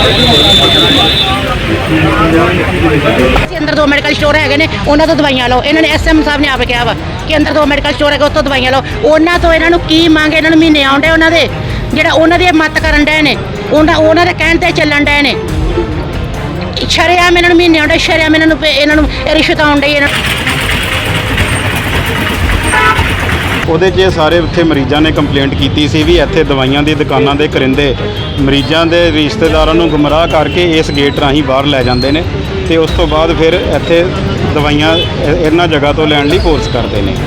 अंदर 2 medical store है ने उन्होंने तो दवाइयां लो। इन्होंने SM साहब ने आप कहा वा कि अंदर 2 मैडिकल स्टोर है उत्तों दवाइयां लो। उन्होंने तो इन्हों की मंग इन्होंने महीने आउंडे उन्होंने ਜਿਹੜਾ ਉਹਨਾਂ ਦੀ ਮਤ ਕਰਨ ਡਏ ਨੇ ਉਹਨਾਂ ਦੇ ਕਹਿਣ ਤੇ ਚੱਲਣ ਡਏ ਨੇ। ਸ਼ਰੇਆਮ ਇਹਨਾਂ ਨੂੰ ਮਹੀਨੇ ਆਉਂਦੇ ਸ਼ਰੇਆਮ ਇਹਨਾਂ ਨੂੰ ਰਿਸ਼ਵਤ ਆਉਣ ਡਈ ਇਹਨਾਂ ਉਹਦੇ 'ਚ ਸਾਰੇ ਉੱਥੇ ਮਰੀਜ਼ਾਂ ਨੇ ਕੰਪਲੇਂਟ ਕੀਤੀ ਸੀ ਵੀ ਇੱਥੇ ਦਵਾਈਆਂ ਦੀ ਦੁਕਾਨਾਂ ਦੇ ਕਰਿੰਦੇ ਮਰੀਜ਼ਾਂ ਦੇ ਰਿਸ਼ਤੇਦਾਰਾਂ ਨੂੰ ਗੁੰਮਰਾਹ ਕਰਕੇ ਇਸ ਗੇਟ ਰਾਹੀਂ ਬਾਹਰ ਲੈ ਜਾਂਦੇ ਨੇ ਤੇ ਉਸ ਤੋਂ ਬਾਅਦ ਫਿਰ ਇੱਥੇ ਦਵਾਈਆਂ ਇਹਨਾਂ ਜਗ੍ਹਾ ਤੋਂ ਲੈਣ ਲਈ ਫੋਰਸ ਕਰਦੇ ਨੇ।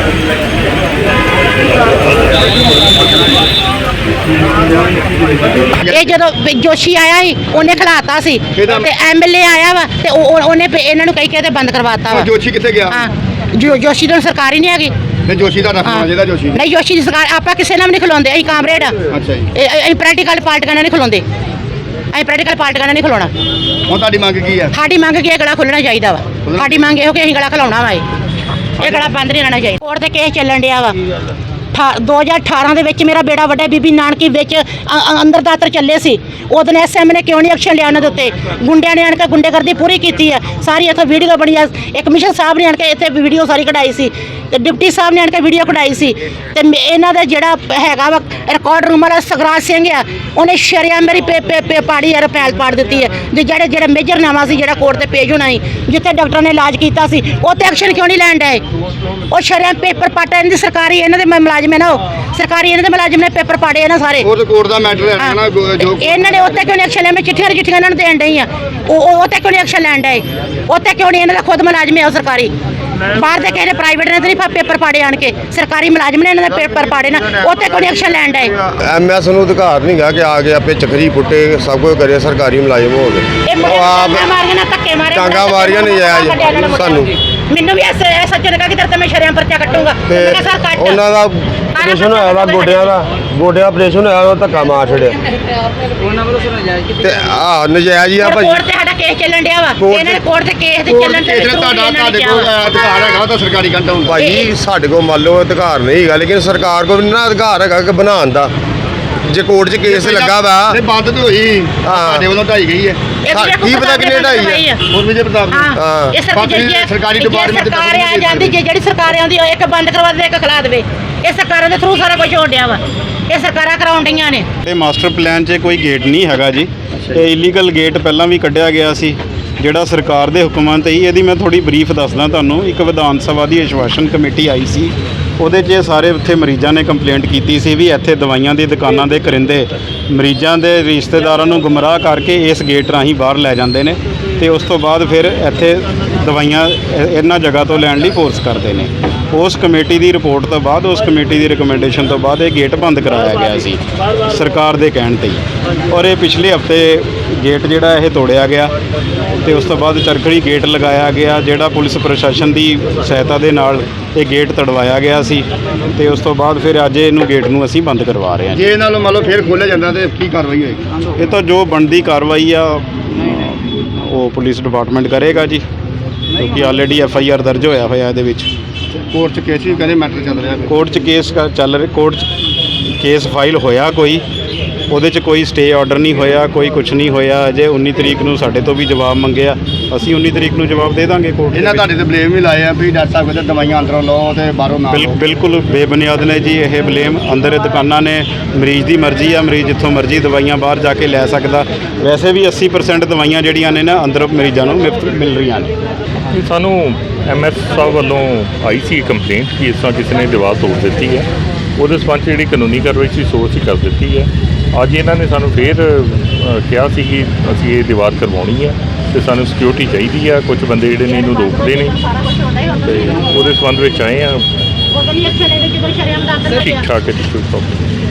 ਇਹ ਜਦੋਂ ਜੋਸ਼ੀ ਆਇਆ ਸੀ ਉਹਨੇ ਖਿਲਾਤਾ ਸੀ ਤੇ MLA ਆਇਆ ਵਾ ਤੇ ਉਹਨੇ ਇਹਨਾਂ ਨੂੰ ਕਹੀ ਕੇ ਤੇ ਬੰਦ ਕਰਵਾਤਾ ਵਾ। ਜੋਸ਼ੀ ਕਿੱਥੇ ਗਿਆ? ਹਾਂ ਜੋਸ਼ੀ ਤਾਂ ਸਰਕਾਰ ਹੀ ਨਹੀਂ ਹੈਗੀ। ਨਹੀਂ ਜੋਸ਼ੀ ਦਾ ਰੱਖਣਾ ਜਿਹਦਾ ਜੋਸ਼ੀ ਨਹੀਂ ਜੋਸ਼ੀ ਦੀ ਸਰਕਾਰ ਆਪਾਂ ਕਿਸੇ ਨਾਲ ਵੀ ਨਹੀਂ ਖਲੋਂਦੇ। ਅਸੀਂ ਕਾਮਰੇਡ ਆ। ਅੱਛਾ ਜੀ। ਅਸੀਂ ਪ੍ਰੈਕਟੀਕਲ ਪਾਰਟੀਆਂ ਨਾਲ ਨਹੀਂ ਖਲੋਂਦੇ। ਅਸੀਂ ਪ੍ਰੈਕਟੀਕਲ ਪਾਰਟੀਆਂ ਨਾਲ ਨਹੀਂ ਖਲੋਣਾ। ਹੁਣ ਤੁਹਾਡੀ ਮੰਗ ਕੀ ਹੈ? ਸਾਡੀ ਮੰਗ ਕੀ ਹੈ? ਗਲਾ ਖੁੱਲਣਾ ਚਾਹੀਦਾ ਵਾ। ਸਾਡੀ ਮੰਗ ਇਹੋ ਕਿ ਅਸੀਂ ਗਲਾ ਖਲਾਉਣਾ ਵਾ। ਇਹ ਗਲਾ ਬੰਦ ਨਹੀਂ ਰਹਿਣਾ ਚਾਹੀਦਾ। ਕੋਰਟ ਤੇ ਕੇਸ ਚੱਲਣ ਡਿਆ ਵਾ। 2018 ਦੇ ਵਿੱਚ ਮੇਰਾ ਬੇੜਾ ਵੱਡਾ ਬੀਬੀ ਨਾਨਕੀ ਵਿੱਚ ਅੰਦਰ ਦਾਤਰ ਚੱਲੇ ਸੀ। ਉਦੋਂ SM ਨੇ ਕਿਉਂ ਨਹੀਂ ਐਕਸ਼ਨ ਲਿਆ ਉਹਨਾਂ ਦੇ ਉੱਤੇ? ਗੁੰਡਿਆਂ ਨੇ ਆਣ ਕੇ ਗੁੰਡੇਗਰਦੀ ਪੂਰੀ ਕੀਤੀ ਹੈ ਸਾਰੀ। ਇੱਥੇ ਵੀਡੀਓ ਬਣੀ ਆ। ਇੱਕ ਕਮਿਸ਼ਨ ਸਾਹਿਬ ਨੇ ਆਣ ਕੇ ਇੱਥੇ ਵੀਡੀਓ ਸਾਰੀ ਕਢਾਈ ਸੀ ਤੇ ਡਿਪਟੀ ਸਾਹਿਬ ਨੇ ਆਣ ਕੇ ਵੀਡੀਓ ਕਢਾਈ ਸੀ ਤੇ ਇਹਨਾਂ ਦਾ ਜਿਹੜਾ ਹੈਗਾ ਵਾ ਰਿਕਾਰਡ ਰੂਮ ਵਾਲਾ ਸਗਰਾਜ ਸਿੰਘ ਆ ਉਹਨੇ ਸ਼ਰਿਆਮ ਮੇਰੀ ਪਾੜੀ ਯਾਰ ਫੈਲ ਪਾੜ ਦਿੱਤੀ ਹੈ। ਜਿਹੜੇ ਮੇਜਰ ਨਾਮਾ ਸੀ ਜਿਹੜਾ ਕੋਰਟ ਤੇ ਪੇਜ ਹੋਣਾ ਸੀ ਜਿੱਥੇ ਡਾਕਟਰ ਨੇ ਇਲਾਜ ਕੀਤਾ ਸੀ ਉਹ ਤੇ ਐਕਸ਼ਨ ਕਿਉਂ ਨਹੀਂ ਲੈਣ ਡਏ? ਉਹ ਸ਼ਰਿਆਮ ਪੇਪਰ ਪਾਟਾ ਇਹਨਾਂ ਦੀ ਸਰਕਾਰੀ ਇਹਨਾਂ ਦੇ ਮੁਲਾਜ਼ਮ ਹੈ ਨਾ। ਉਹ ਸਰਕਾਰੀ ਇਹਨਾਂ ਦੇ ਮੁਲਾਜ਼ਮ ਨੇ ਪੇਪਰ ਪਾੜੇ ਇਹਨਾਂ ਸਾਰੇ। ਉਹ ਕੋਰਟ ਦਾ ਮੈਟਰ ਹੈ ਨਾ ਜੋ ਇਹਨਾਂ ਨੇ ਉੱਤੇ ਕਿਉਂ ਨਹੀਂ ਐਕਸ਼ਨ ਲਿਆ? ਮੈਂ ਚਿੱਠੀਆਂ ਇਹਨਾਂ ਨੂੰ ਦੇਣ ਡਈ ਆ। ਉਹ ਉੱਤੇ ਕਿਉਂ ਨਹੀਂ ਐਕਸ਼ਨ ਲੈਣ ਡਏ? ਉੱਤੇ ਕਿਉਂ ਨਹੀਂ? ਇਹਨਾਂ ਦਾ ਖੁਦ ਮੁਲਾਜ਼ਮ ਹੈ ਉਹ ਸਰਕਾਰੀ। ਬਾਹਰ ਦੇ ਕਿਸੇ ਨੇ ਪ੍ਰਾਈਵੇਟ ਨੇ ਤਾਂ ਨਹੀਂ ਪੇਪਰ ਪਾੜੇ ਆਣ ਕੇ। ਸਰਕਾਰੀ ਮੁਲਾਜ਼ਮ ਨੇ ਇਹਨਾਂ ਦੇ ਪੇਪਰ ਪਾੜੇ ਨਾ। ਉੱਤੇ ਕਿਉਂ ਨਹੀਂ ਐਕਸ਼ਨ ਲੈਣ ਡਏ? MS ਨੂੰ ਅਧਿਕਾਰ ਨਹੀਂ ਗਾ ਕਿ ਆ ਕੇ ਆਪੇ ਚੱਕਰੀ ਪੁੱਟੇ ਸਭ ਕੁਝ ਕਰੇ। ਸਰਕਾਰੀ ਮੁਲਾਜ਼ਮ ਹੋ ਗਏ ਉਹ ਆਪ ਮਾਰੀਆਂ ਨਾ ਧੱਕੇ ਮਾਰੇ ਟਾਂਗਾ ਮਾਰੀਆਂ ਨਹੀਂ ਜਾਇਜ਼ ਸਾਨੂੰ। ਮੈਨੂੰ ਵੀ ਐਸਾ ਸੱਚੇ ਨੇ ਕਹਾ ਕਿ ਤੇਰੇ ਤੇ ਮੈਂ ਸ਼ਰਿਆਮ ਪਰਚਾ ਕੱਟੂਗਾ। ਉਹਨਾਂ ਦਾ ਆਪਰੇਸ਼ਨ ਹੋਇਆ ਵਾ ਗੋਡਿਆਂ ਆਪਰੇਸ਼ਨ ਹੋਇਆ ਉਹ ਧੱਕਾ ਮਾਰ ਛੜਿਆ ਤੇ ਨਜਾਇਜ਼ ਹੀ ਆ ਭਾਜੀ। ਕੋਰਟ ਤੇ ਸਾਡਾ ਕੇਸ ਚੱਲਣ ਡਿਆ ਵਾ। ਇਹਨਾਂ ਨੇ ਕੋਰਟ ਤੇ ਕੇਸ ਦੇ ਚੱਲਣ ਤੇ ਤੁਹਾਡੇ ਕੋਲ ਅਧਿਕਾਰ ਹੈਗਾ ਤਾਂ ਸਰਕਾਰੀ ਕੰਟਾ ਹੁੰਦਾ ਭਾਜੀ। ਸਾਡੇ ਕੋਲ ਮੰਨ ਲਓ ਅਧਿਕਾਰ ਨਹੀਂ ਹੈਗਾ ਲੇਕਿਨ ਸਰਕਾਰ ਕੋਲ ਨਾ ਅਧਿਕਾਰ ਹੈਗਾ ਕਿ ਬਣਾਉਣ ਦਾ। ਜੇ ਕੋਰਟ 'ਚ ਕੇਸ ਲੱਗਾ ਵਾ ਬੰਦ ਤੇ ਹੋਈ ਸਾਡੇ ਵੱਲੋਂ ਢਾਈ ਗਈ ਹੈ। ਕੀ ਪਤਾ ਕਿੰਨੇ ਢਾਈ ਹੈ? ਹੋਰ ਵਿਜੇ ਪ੍ਰਤਾਪ ਇਹ ਸਰਕਾਰੀ ਡਿਪਾਰਟਮੈਂਟ ਸਰਕਾਰ ਆ ਜਾਂਦੀ ਜਿਹੜੀ ਸਰਕਾਰ ਆਉਂਦੀ ਇੱਕ ਬੰਦ ਕਰਵਾ ਦੇ ਇੱਕ ਖਿਲਾ ਦੇਵੇ। ਇਹ ਸਰਕਾਰਾਂ ਦੇ ਥਰੂ ਸਾਰਾ ਕੁਝ ਹੋਣ ਡਿਆ ਵਾ। ਇਹ ਸਰਕਾਰਾਂ ਕਰਾਉਣ ਡਈਆਂ ਨੇ। ਇਹ ਮਾਸਟਰ ਪਲਾਨ 'ਚ ਕੋਈ ਗੇਟ ਨਹੀਂ ਹੈਗਾ ਜੀ। ਇਹ ਇਲੀਗਲ ਗੇਟ ਪਹਿਲਾਂ ਵੀ ਕੱਢਿਆ ਗਿਆ ਸੀ ਜਿਹੜਾ ਸਰਕਾਰ ਦੇ ਹੁਕਮਾਂ ਤੇ ਹੀ। ਇਹਦੀ ਮੈਂ ਥੋੜੀ ਬਰੀਫ ਦੱਸਦਾ ਤੁਹਾਨੂੰ। ਇੱਕ ਵਿਧਾਨ ਸਭਾ ਦੀ ਅਸ਼ਵਾਸਨ ਕਮੇਟੀ ਆਈ ਸੀ ਉਹਦੇ 'ਚ ਸਾਰੇ ਉੱਥੇ ਮਰੀਜ਼ਾਂ ਨੇ ਕੰਪਲੇਂਟ ਕੀਤੀ ਸੀ ਵੀ ਇੱਥੇ ਦਵਾਈਆਂ ਦੀ ਦੁਕਾਨਾਂ ਦੇ ਕਰਿੰਦੇ ਮਰੀਜ਼ਾਂ ਦੇ ਰਿਸ਼ਤੇਦਾਰਾਂ ਨੂੰ ਗੁੰਮਰਾਹ ਕਰਕੇ ਇਸ ਗੇਟ ਰਾਹੀਂ ਬਾਹਰ ਲੈ ਜਾਂਦੇ ਨੇ ਤੇ ਉਸ ਤੋਂ ਬਾਅਦ ਫਿਰ ਇੱਥੇ ਦਵਾਈਆਂ ਇਹਨਾਂ ਜਗ੍ਹਾ ਤੋਂ ਲੈਣ ਲਈ ਫੋਰਸ ਕਰਦੇ ਨੇ। ਉਸ ਕਮੇਟੀ ਦੀ ਰਿਪੋਰਟ ਤੋਂ ਬਾਅਦ ਉਸ ਕਮੇਟੀ ਦੀ ਰਿਕਮੈਂਡੇਸ਼ਨ ਤੋਂ ਬਾਅਦ ਇਹ ਗੇਟ ਬੰਦ ਕਰਾਇਆ ਗਿਆ ਸੀ ਸਰਕਾਰ ਦੇ ਕਹਿਣ ਤੇ ਹੀ। ਔਰ ਇਹ ਪਿਛਲੇ ਹਫਤੇ ਗੇਟ ਜਿਹੜਾ ਇਹ ਤੋੜਿਆ ਗਿਆ ਤੇ ਉਸ ਤੋਂ ਬਾਅਦ ਚਰਖੜੀ ਗੇਟ ਲਗਾਇਆ ਗਿਆ ਜਿਹੜਾ ਪੁਲਿਸ ਪ੍ਰਸ਼ਾਸਨ ਦੀ ਸਹਾਇਤਾ ਦੇ ਨਾਲ ਇਹ ਗੇਟ ਤੜਵਾਇਆ ਗਿਆ ਸੀ ਤੇ ਉਸ ਤੋਂ ਬਾਅਦ ਫਿਰ ਅੱਜ ਇਹਨੂੰ ਗੇਟ ਨੂੰ ਅਸੀਂ ਬੰਦ ਕਰਵਾ ਰਹੇ ਹਾਂ। ਜੇ ਇਹਨਾਂ ਨੂੰ ਮੰਨ ਲਓ ਫਿਰ ਖੋਲ੍ਹਿਆ ਜਾਂਦਾ ਤੇ ਕੀ ਕਾਰਵਾਈ ਹੋਏਗੀ? ਇਹ ਤਾਂ ਜੋ ਬਣਦੀ ਕਾਰਵਾਈ ਆ ਉਹ ਪੁਲਿਸ ਡਿਪਾਰਟਮੈਂਟ ਕਰੇਗਾ ਜੀ ਕਿਉਂਕਿ ਆਲਰੇਡੀ FIR ਦਰਜ ਹੋਇਆ ਇਹਦੇ ਵਿੱਚ। ਕੋਰਟ 'ਚ ਕੇਸ ਵੀ ਕਹਿੰਦੇ ਮੈਟਰ ਚੱਲ ਰਿਹਾ। ਕੋਰਟ 'ਚ ਕੇਸ ਚੱਲ ਰਿਹਾ। ਕੋਰਟ 'ਚ ਕੇਸ ਫਾਈਲ ਹੋਇਆ ਕੋਈ ਉਹਦੇ 'ਚ ਕੋਈ ਸਟੇ ਆਰਡਰ ਨਹੀਂ ਹੋਇਆ ਕੋਈ ਕੁਝ ਨਹੀਂ ਹੋਇਆ ਅਜੇ। 19 ਤਰੀਕ ਨੂੰ ਸਾਡੇ ਤੋਂ ਵੀ ਜਵਾਬ ਮੰਗਿਆ। ਅਸੀਂ 19 ਤਰੀਕ ਨੂੰ ਜਵਾਬ ਦੇ ਦਾਂਗੇ ਕੋਰਟ। ਇਹਨਾਂ ਤੁਹਾਡੇ ਤੇ ਬਲੇਮ ਵੀ ਲਾਏ ਆ ਵੀ ਡਾਕਟਰ ਸਾਹਿਬ ਕਹਿੰਦੇ ਦਵਾਈਆਂ ਅੰਦਰੋਂ ਲਓ ਤੇ ਬਾਹਰੋਂ ਨਾ ਲਓ। ਬਿਲਕੁਲ ਬੇਬੁਨਿਆਦ ਨੇ ਜੀ ਇਹ ਬਲੇਮ। ਅੰਦਰ ਦੁਕਾਨਾਂ ਨੇ ਮਰੀਜ਼ ਦੀ ਮਰਜ਼ੀ ਆ। ਮਰੀਜ਼ ਜਿੱਥੋਂ ਮਰਜ਼ੀ ਦਵਾਈਆਂ ਬਾਹਰ ਜਾ ਕੇ ਲੈ ਸਕਦਾ। ਵੈਸੇ ਵੀ 80% ਦਵਾਈਆਂ ਜਿਹੜੀਆਂ ਨੇ ਨਾ ਅੰਦਰ ਮਰੀਜ਼ਾਂ ਨੂੰ ਮਿਲ ਰਹੀਆਂ ਨੇ। ਸਾਨੂੰ MS ਸਾਹਿਬ ਵੱਲੋਂ ਆਈ ਸੀ ਕੰਪਲੇਂਟ ਕਿ ਇਸ ਤਰ੍ਹਾਂ ਕਿਸੇ ਨੇ ਦੀਵਾਰ ਤੋੜ ਦਿੱਤੀ ਹੈ। ਉਹਦੇ ਸੰਬੰਧ 'ਚ ਜਿਹੜੀ ਕਾਨੂੰਨੀ ਕਾਰਵਾਈ ਸੀ ਸੋ ਅਸੀਂ ਕਰ ਦਿੱਤੀ ਹੈ। ਅੱਜ ਇਹਨਾਂ ਨੇ ਸਾਨੂੰ ਫਿਰ ਕਿਹਾ ਸੀ ਕਿ ਅਸੀਂ ਇਹ ਦੀਵਾਰ ਕਰਵਾਉਣੀ ਹੈ ਤੇ ਸਾਨੂੰ ਸਿਕਿਉਰਿਟੀ ਚਾਹੀਦੀ ਆ। ਕੁਝ ਬੰਦੇ ਜਿਹੜੇ ਨੇ ਇਹਨੂੰ ਰੋਕਦੇ ਨੇ ਤੇ ਉਹਦੇ ਸੰਬੰਧ ਵਿੱਚ ਆਏ ਆ। ਠੀਕ ਠਾਕ ਹੈ ਜੀ ਕੋਈ ਪ੍ਰੋਬਲਮ।